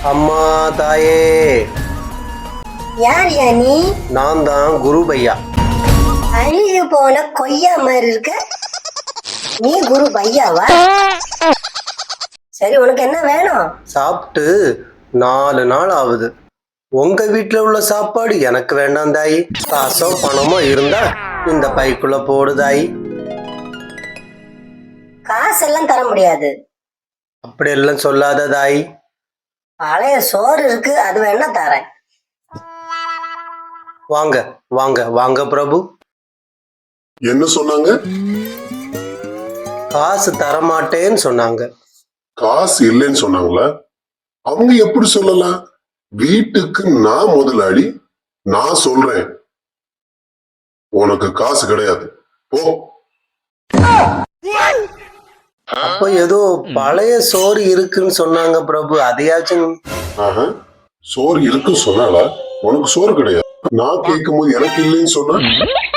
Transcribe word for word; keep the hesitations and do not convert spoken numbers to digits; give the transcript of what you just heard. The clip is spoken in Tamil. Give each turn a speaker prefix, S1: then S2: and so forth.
S1: அம்மா தாயே.
S2: யார் யா நீ?
S1: நான் தான் குரு பையா.
S2: அழுகி போன கொய்யா மாதிரி இருக்க. நீ குரு பையாவா? சரி, உனக்கு என்ன வேணும்?
S1: சாப்பிட்டு நாலு நாள் ஆகுது. உங்க வீட்டுல உள்ள சாப்பாடு எனக்கு வேண்டாம் தாயி. காசோ பணமோ இருந்தா இந்த பைக்குள்ள போடு தாயி.
S2: காசெல்லாம் தர முடியாது.
S1: அப்படி எல்லாம் சொல்லாத தாயி.
S2: பழைய சோறு இருக்கு, அது வேணா தரேன்.
S1: வாங்க வாங்க வாங்க பிரபு.
S3: என்ன சொன்னாங்க?
S1: காசு தரமாட்டேன்னு சொன்னாங்க.
S3: காசு இல்லைன்னு சொன்னாங்களா? அவங்க எப்படி சொல்லலாம்? வீட்டுக்கு நான் முதலாளி, நான் சொல்றேன். உனக்கு காசு கிடையாது, போ.
S1: அப்ப ஏதோ பழைய சோறு இருக்குன்னு சொன்னாங்க பிரபு, அதையாச்சும்.
S3: ஆஹா, சோறு இருக்குன்னு சொன்னாலா? உனக்கு சோறு கிடையாது. நான் கேட்கும் போது எனக்கு இல்லைன்னு சொன்னா